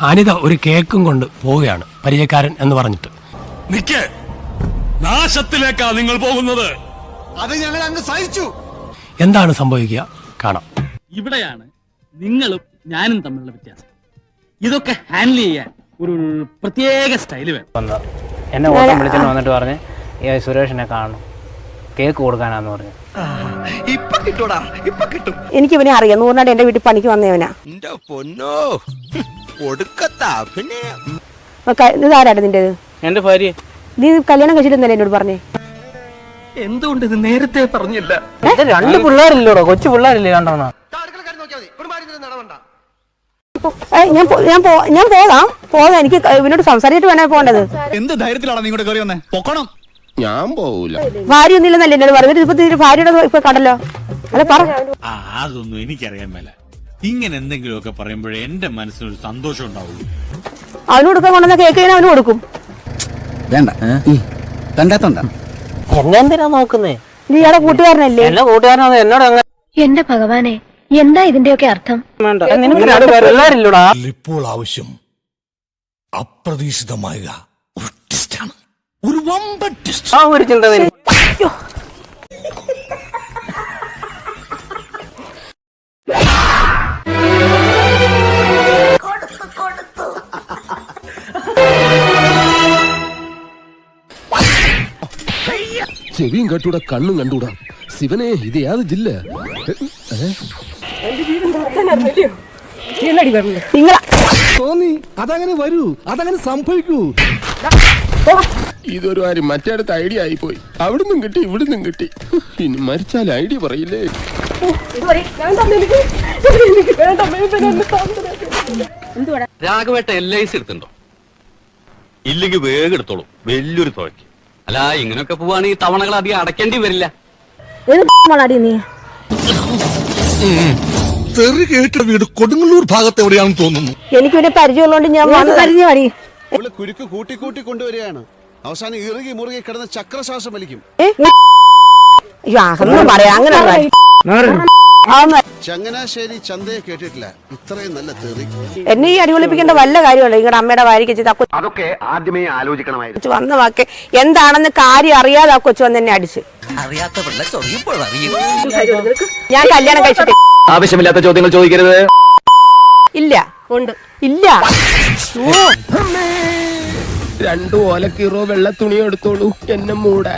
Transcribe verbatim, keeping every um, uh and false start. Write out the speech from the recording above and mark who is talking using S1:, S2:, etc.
S1: അനിത ഒരു കേക്കും കൊണ്ട് പോവുകയാണ് പരിചയക്കാരൻ എന്ന് പറഞ്ഞിട്ട്.
S2: നിക്ക്, നാശത്തിലേക്കാ നിങ്ങൾ പോകുന്നത്.
S3: അത് ഞങ്ങൾ അങ്ങ് സഹിച്ചു.
S1: എന്താണ് സംഭവിക്കുക കാണാം.
S4: ഇവിടെയാണ് നിങ്ങളും ഞാനും തമ്മിലുള്ള വ്യത്യാസം. ഇതൊക്കെ ഹാൻഡിൽ ചെയ്യാൻ ഒരു പ്രത്യേക സ്റ്റൈല് വേണം.
S5: എന്നെ ഓട്ടം വിളിച്ചിട്ട് വന്നിട്ട് പറഞ്ഞ് സുരേഷിനെ കാണണം, കേക്ക് കൊടുക്കാനാന്ന് പറഞ്ഞു.
S6: എനിക്ക് ഇവനെ അറിയാം. നൂറിനാട് എന്റെ വീട്ടിൽ പണിക്ക് വന്നവനാ. ഇതാരാണ് നിന്റേത്?
S5: എന്റെ ഭാര്യ.
S6: നീ കല്യാണം കഴിച്ചിട്ടുണ്ടല്ലേ എന്നോട് പറഞ്ഞേ?
S4: എന്തുകൊണ്ട് ഇത് നേരത്തെ പറഞ്ഞില്ല?
S5: രണ്ട് പിള്ളേരില്ലോടോ, കൊച്ചു പിള്ളേരില്ലേ രണ്ടെണ്ണം.
S6: ഞാൻ ഞാൻ പോകാം പോകാം എനിക്ക് ഇവനോട് സംസാരിച്ചിട്ട് വേണേ പോകേണ്ടത്.
S3: എന്ത് ധൈര്യത്തിലാണ് നിങ്ങളുടെ കയറി വന്നേ? പൊക്കണം.
S7: ഞാൻ പോവൂല.
S6: ഭാര്യ ഒന്നുമില്ലെന്നല്ലേ എന്നോട് പറഞ്ഞത്? ഇപ്പൊ ഭാര്യയുടെ ഇപ്പൊ കണ്ടല്ലോ. അല്ല പറ.
S2: അതൊന്നും എനിക്കറിയാൻ മേല. ഇങ്ങനെ എന്തെങ്കിലുമൊക്കെ പറയുമ്പോഴേ എന്റെ മനസ്സിനൊരു സന്തോഷം ഉണ്ടാവുള്ളൂ.
S6: അവന് കൊടുക്കാൻ കൊണ്ടുവന്ന കേക്ക് ഞാൻ അവന് കൊടുക്കും.
S3: വേണ്ട, കണ്ടാത്തോണ്ട.
S5: എന്നെ എന്തിനാ നോക്കുന്നേ?
S6: നീ ഇയാളെ കൂട്ടുകാരനല്ലേ?
S5: എന്നെ കൂട്ടുകാരനോ എന്നോട്?
S8: എന്റെ ഭഗവാനെ, എന്താ ഇതിന്റെയൊക്കെ അർത്ഥം?
S5: പിള്ളേരില്ലോടാ.
S2: ഇപ്പോൾ ആവശ്യം അപ്രതീക്ഷിതമായ ഒരു ടെസ്റ്റാണ്, ഒരു വമ്പൻ ടെസ്റ്റ്.
S5: ആ ഒരു ചിന്ത
S7: ചെവിയും കണ്ടൂടാ, കണ്ണും കണ്ടൂടാ. ശിവനെ, ഇത് യാത് ജില്ല? തോന്നി അതങ്ങനെ വരൂ, അതങ്ങനെ സംഭവിക്കൂ. ഇതൊരു കാര്യം മറ്റേടത്ത് ഐഡിയ ആയിപ്പോയി. അവിടുന്നും കിട്ടി, ഇവിടുന്നും കിട്ടി. ഇനി മരിച്ചാൽ ഐഡിയ പറയില്ലേ?
S9: രാഘവേട്ട എൽ ഐ സി എടുത്തുണ്ടോ? ഇല്ലെങ്കിൽ വേഗം എടുത്തോളൂ, വലിയൊരു തുകയ്ക്ക്. അല്ല, ഇങ്ങനെയൊക്കെ പോവാണെങ്കിൽ തവണകൾ അധികം അടയ്ക്കേണ്ടി വരില്ല.
S2: തെറി കേട്ട വീട് കൊടുങ്ങല്ലൂർ ഭാഗത്ത് എവിടെയാണെന്ന് തോന്നുന്നു.
S6: എനിക്ക് പിന്നെ പരിചയമുള്ളതുകൊണ്ട് ഞാൻ പരിചയം മതി.
S3: കുരുക്ക് കൂട്ടി കൂട്ടി കൊണ്ടുവരികയാണ്. അവസാനം ഇറുകി മുറുകി കിടന്ന് ചക്രശ്വാസം വലിക്കും.
S6: പറയാ അങ്ങനെ
S3: ചങ്ങനാശ്ശേരി ചന്തയെ കേട്ടിട്ടില്ല ഇത്രയും നല്ല തെറി.
S6: എന്നെ ഈ അടിപൊളിപ്പിക്കേണ്ട വല്ല കാര്യമല്ലോ. നിങ്ങളുടെ അമ്മയുടെ വാരിക്ക്
S7: അതൊക്കെ ആദ്യമേ ആലോചിക്കണമായിരുന്നു.
S6: വന്ന വാക്ക് എന്താണെന്ന് കാര്യം അറിയാതെ ആ കൊച്ചു വന്ന് എന്നെ അടിച്ച്. ഞാൻ കല്യാണം കഴിച്ചിട്ട്
S9: ആവശ്യമില്ലാത്ത ചോദ്യങ്ങൾ ചോദിക്കരുത്.
S6: ഇല്ല ഉണ്ട് ഇല്ല.
S7: രണ്ടു ഓലക്കീറോ വെള്ള തുണിയോ എടുത്തോളൂ, എന്നെ മൂടാൻ.